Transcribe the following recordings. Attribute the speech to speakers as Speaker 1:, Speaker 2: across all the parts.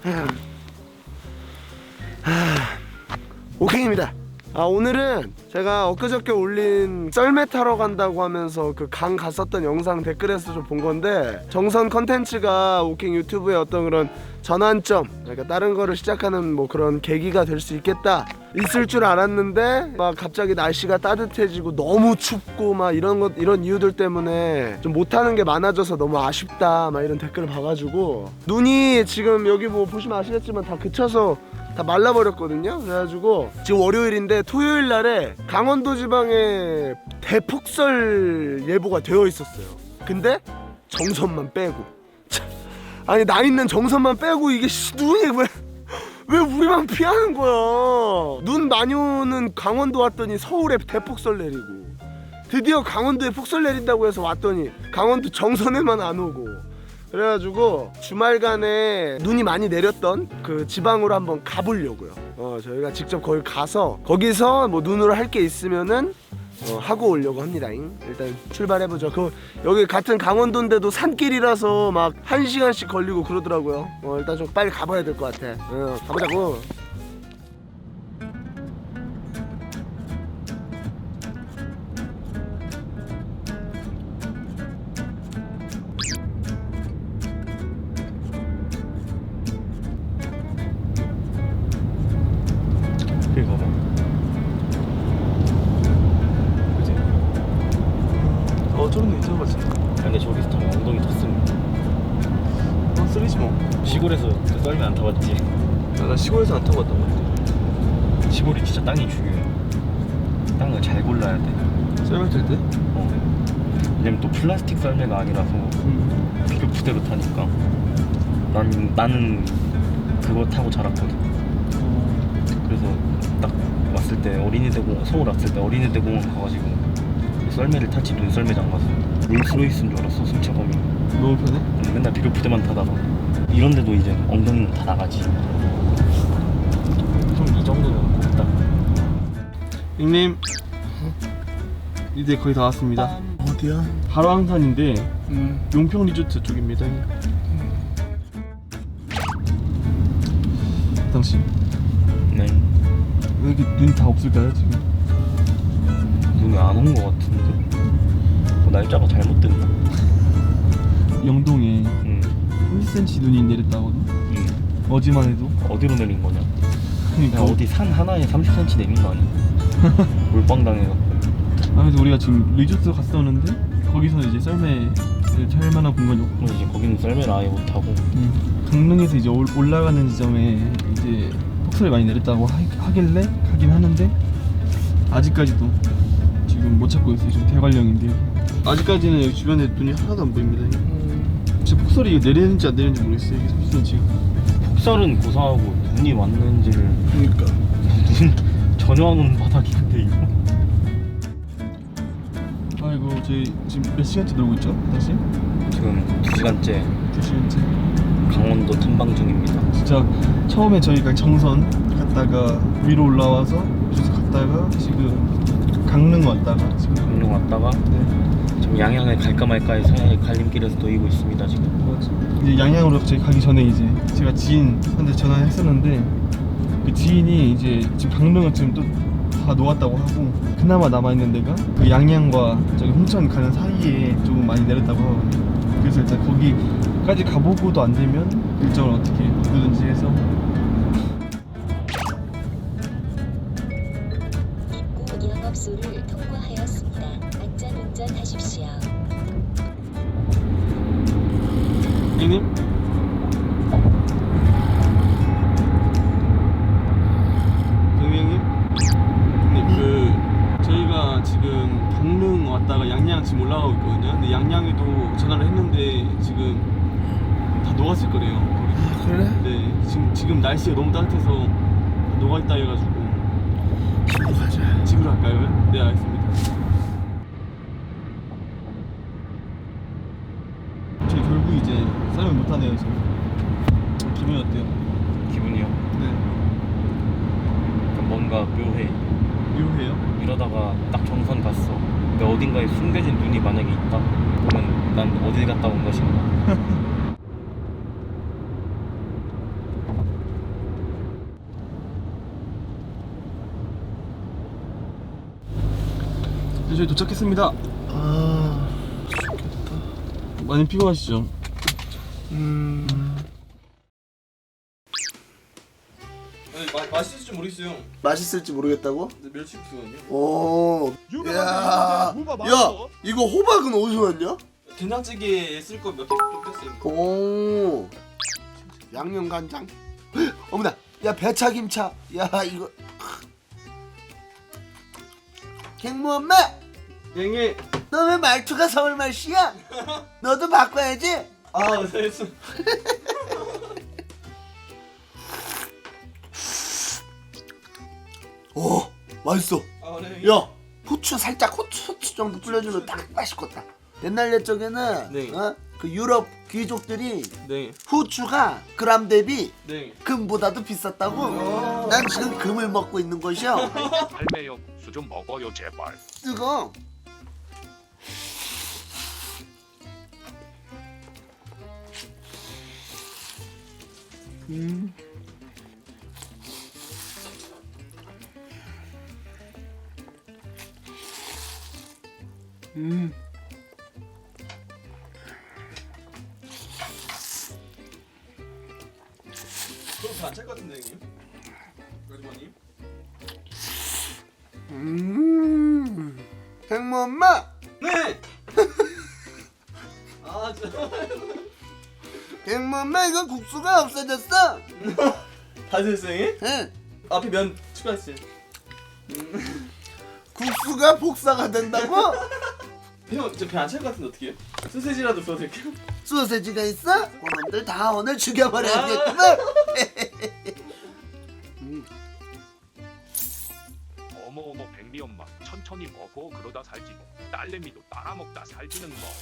Speaker 1: 오케이입니다. 오늘은 제가 엊그저께 올린 썰매 타러 간다고 하면서 그 강 갔었던 영상 댓글에서 좀 본 건데, 정선 컨텐츠가 오킹 유튜브의 어떤 그런 전환점, 그러니까 다른 거를 시작하는 뭐 그런 계기가 될 수 있겠다, 있을 줄 알았는데 막 갑자기 날씨가 따뜻해지고 너무 춥고 막 이런 이유들 때문에 좀 못하는 게 많아져서 너무 아쉽다 막 이런 댓글을 봐가지고, 눈이 지금 여기 뭐 보시면 아시겠지만 다 그쳐서 다 말라버렸거든요. 그래가지고 지금 월요일인데 토요일 날에 강원도 지방에 대폭설 예보가 되어 있었어요. 근데 정선만 빼고, 아니 나 있는 정선만 빼고 이게 눈이 왜 우리만 피하는 거야. 눈 많이 오는 강원도 왔더니 서울에 대폭설 내리고, 드디어 강원도에 폭설 내린다고 해서 왔더니 강원도 정선에만 안 오고, 그래가지고 주말간에 눈이 많이 내렸던 그 지방으로 한번 가보려고요. 저희가 직접 거기 가서 거기서 뭐 눈으로 할 게 있으면은 하고 오려고 합니다. 일단 출발해보죠. 여기 같은 강원도인데도 산길이라서 막 1시간씩 걸리고 그러더라고요. 일단 좀 빨리 가봐야 될 것 같아. 가보자고.
Speaker 2: 여기 봐봐. 그치?
Speaker 1: 저런 데 있는 것 같은데.
Speaker 2: 근데 저기서 타면 엉덩이 텄습니다.
Speaker 1: 쓰리지 뭐.
Speaker 2: 시골에서 썰매 안 타봤지?
Speaker 1: 나 시골에서 안 타봤단 말이야.
Speaker 2: 시골이 진짜 땅이 중요해. 땅을 잘 골라야 돼.
Speaker 1: 썰매 탈 때?
Speaker 2: 왜냐면 또 플라스틱 썰매가 아니라서 비료 부대로 타니까. 나는 그거 타고 자랐거든. 그래서 딱 왔을 때 서울 왔을 때 어린이대 공원 가가지고 썰매를 탔지. 눈썰매장 가서 롤스로이스인 줄 알았어. 승차감이
Speaker 1: 너무 편해?
Speaker 2: 맨날 비료 부대만 타다가 이런데도 이제 엉덩이는 다 나가지. 좀 이 정도면 곱다.
Speaker 3: 형님, 이제 거의 다 왔습니다.
Speaker 1: 어디야?
Speaker 3: 바로 항산인데 용평 리조트 쪽입니다. 당신
Speaker 2: 네.
Speaker 3: 왜 이렇게 눈 다 없을까요 지금?
Speaker 2: 눈이 안 온 것 같은데 날짜가 잘못됐나?
Speaker 3: 영동에
Speaker 2: 응.
Speaker 3: 1cm 눈이 내렸다거든.
Speaker 2: 응.
Speaker 3: 어제만 해도.
Speaker 2: 어디로 내린 거냐?
Speaker 3: 그러니까
Speaker 2: 어디 산 하나에 30cm 내린 거 아니야? 몰빵 당해갖고.
Speaker 3: 그래서 우리가 지금 리조트 갔었는데 거기서는 이제 썰매를 탈 만한 공간이 없고,
Speaker 2: 이제 거기는 썰매를 아예 못 타고.
Speaker 3: 강릉에서 이제 올라가는 지점에 이제 폭설이 많이 내렸다고 하길래 가긴 하는데 아직까지도 지금 못 찾고 있어요. 지금 대관령인데 아직까지는 여기 주변에 눈이 하나도 안 보입니다. 진짜 폭설이 내리는지 안 내리는지 모르겠어요. 이게 30cm.
Speaker 2: 폭설은 고사하고 눈이 왔는지를
Speaker 1: 그러니까
Speaker 2: 눈 전혀 안 오는 바닥인데 이거.
Speaker 3: 아이고 저희 지금 몇 시간째 놀고 있죠? 다시?
Speaker 2: 지금 2시간째
Speaker 3: 2시간째.
Speaker 2: 강원도 탐방 중입니다.
Speaker 3: 진짜 처음에 저희가 정선 갔다가 위로 올라와서 계속 갔다가 지금 강릉 왔다가 지금
Speaker 2: 강릉 왔다가 지금 양양에 갈까 말까의 사이의 갈림길에서 놓이고 있습니다 지금.
Speaker 3: 이제 양양으로 저희 가기 전에 이제 제가 지인한테 전화했었는데 그 지인이 이제 지금 강릉은 지금 또 다 녹았다고 하고 그나마 남아있는 데가 그 양양과 저기 홍천 가는 사이에 조금 많이 내렸다고 하거든요. 그래서 일단 거기까지 가보고도 안 되면 일정을 어떻게 바꾸든지 해서
Speaker 4: 입구 영업소를 통과하였습니다. 안전운전하십시오.
Speaker 3: 형님? 저희가 지금 강릉 왔다가 양양 지금 올라가고 있거든요. 근데 양양에도 전화를 했는데 지금 다 녹았을 거래요. 거기.
Speaker 1: 그래?
Speaker 3: 네, 지금 날씨가 너무 따뜻해서 다 녹아있다 해가지고
Speaker 1: 집으로 가자.
Speaker 3: 집으로 갈까요? 네, 알겠습니다. 저희 결국 이제 썰매 못하네요 지금. 기분이 어때요?
Speaker 2: 기분이요?
Speaker 3: 네.
Speaker 2: 뭔가 묘해.
Speaker 3: 묘해요?
Speaker 2: 이러다가 딱 정선 갔어. 근데 어딘가에 숨겨진 눈이 만약에 있다 그러면 난 어딜 갔다 온 것인가.
Speaker 3: 네, 저희 도착했습니다.
Speaker 1: 아 좋겠다.
Speaker 3: 많이 피곤하시죠? 맛있을지 모르겠어요.
Speaker 1: 맛있을지 모르겠다고?
Speaker 3: 멸치국수거든요.
Speaker 1: 오. 야 이거 호박은 어디서 왔냐?
Speaker 3: 된장찌개에 쓸 거 몇 개 좀 뺐어요.
Speaker 1: 오. 양념 간장. 어머나. 야 배차김차. 야 이거. 갱무 엄마.
Speaker 3: 갱이.
Speaker 1: 너 왜 말투가 서울 말씨야? 너도 바꿔야지.
Speaker 3: 아, 됐어.
Speaker 1: 오 맛있어.
Speaker 3: 아, 네.
Speaker 1: 야 후추 살짝 후추 정도 뿌려주면 딱 맛있겠다. 옛날 옛적에는
Speaker 3: 네.
Speaker 1: 그 유럽 귀족들이
Speaker 3: 네.
Speaker 1: 후추가 그람 대비
Speaker 3: 네.
Speaker 1: 금보다도 비쌌다고. 난 지금 금을 먹고 있는 것이요.
Speaker 5: 할매요 국수 좀 먹어요 제발.
Speaker 1: 뜨거.
Speaker 3: 그럼 안찰 것 같은데, 형님? 아주머님?
Speaker 1: 갱무 엄마.
Speaker 3: 네! 아, 진짜.
Speaker 1: 갱무 엄마 이거 국수가 없어졌어.
Speaker 3: 다 됐어요, 형님?
Speaker 1: 응.
Speaker 3: 앞에 면 추가했어요.
Speaker 1: 국수가 복사가 된다고?
Speaker 3: 형, 저 배 안 찰 것 같은데 어떻게 해요? 소세지라도 써드릴게요.
Speaker 1: 소세지가 있어? 그놈들 다 오늘 죽여버려야겠구만.
Speaker 5: 어머 백미 엄마 천천히 먹어 그러다 살지 뭐. 딸내미도 따라 먹다 살지는 뭐야.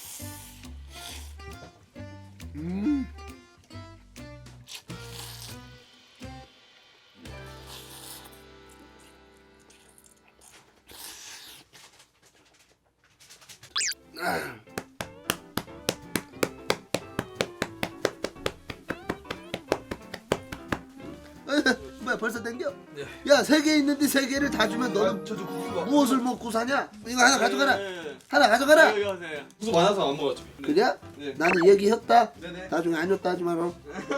Speaker 1: 뭐야 벌써 땡겨?
Speaker 3: 네.
Speaker 1: 야 3개 있는데 3개를 다 주면 너는
Speaker 3: 저도 국수가.
Speaker 1: 무엇을 먹고 사냐? 이거 하나 가져가라.
Speaker 3: 네.
Speaker 1: 하나 가져가라.
Speaker 3: 여기 가세요. 국수 많아서 안 먹었죠.
Speaker 1: 그래?
Speaker 3: 네.
Speaker 1: 나는 얘기했다.
Speaker 3: 네네.
Speaker 1: 나중에 안 줬다 하지 마라.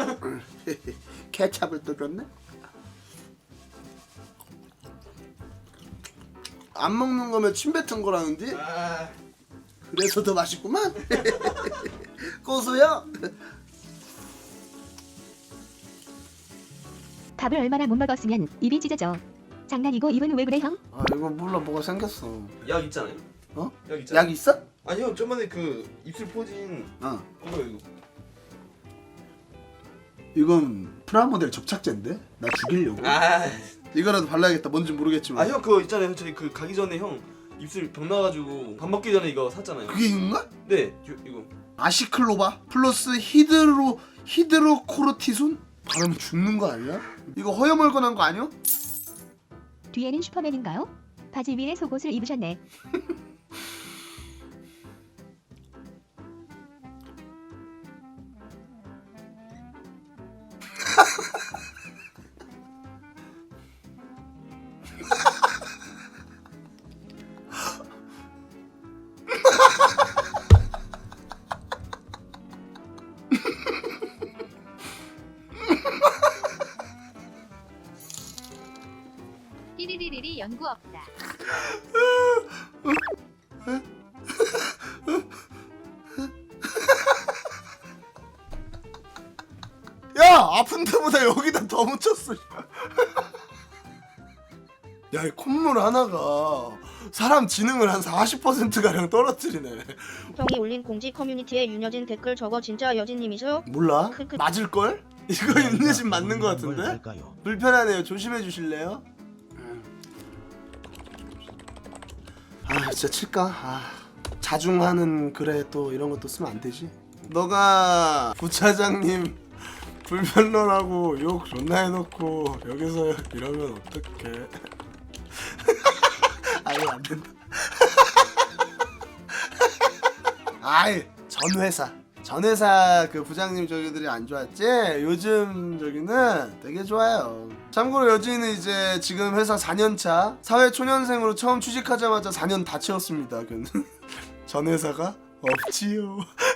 Speaker 1: 케찹을 또 줬네. 안 먹는 거면 침 뱉은 거라는데?
Speaker 3: 아,
Speaker 1: 그래서 더 맛있구만. 고소요.
Speaker 6: 밥을 얼마나 못 먹었으면 입이 찢어져. 장난이고 입은 왜 그래 형?
Speaker 1: 아 이거 몰라 뭐가 생겼어.
Speaker 3: 약 있잖아요.
Speaker 1: 어?
Speaker 3: 약 있잖아요.
Speaker 1: 약 있어?
Speaker 3: 아니요, 저번에 그 입술 포진
Speaker 1: 어.
Speaker 3: 이거.
Speaker 1: 이건 프라모델 접착제인데? 나 죽이려고.
Speaker 3: 아,
Speaker 1: 이거라도 발라야겠다. 뭔지 모르겠지만.
Speaker 3: 형 그거 있잖아요. 저희 그 가기 전에 형 입술 병 나가지고 밥 먹기 전에 이거 샀잖아요.
Speaker 1: 그게 이건가?
Speaker 3: 네, 이거.
Speaker 1: 아시클로바 플러스 히드로코르티손? 바르면 죽는 거 아니야? 이거 허여멀건한 거 아니야?
Speaker 6: 뒤에는 슈퍼맨인가요? 바지 위에 속옷을 입으셨네.
Speaker 7: 띠리리리리 연구 없다.
Speaker 1: 야 아픈 데보다 여기다 더 묻혔어. 야 이 콧물 하나가 사람 지능을 한 40%가량 떨어뜨리네.
Speaker 8: 형이 올린 공지 커뮤니티에 윤여진 댓글 저거 진짜 여진님이죠?
Speaker 1: 몰라?
Speaker 8: 크크.
Speaker 1: 맞을걸? 이거 윤여진 맞는 거 같은데? 불편하네요. 조심해 주실래요? 아 진짜 칠까? 아 자중하는 글에 또 이런 것도 쓰면 안 되지. 너가 부차장님 불편러라고 욕 존나 해놓고 여기서 이러면 어떡해. 아니 안 된다. 아이 전 회사 전 회사 그 부장님 저기들이 안 좋았지? 요즘 저기는 되게 좋아요. 참고로 여진이는 이제 지금 회사 4년차 사회초년생으로 처음 취직하자마자 4년 다 채웠습니다. 전 회사가 없지요.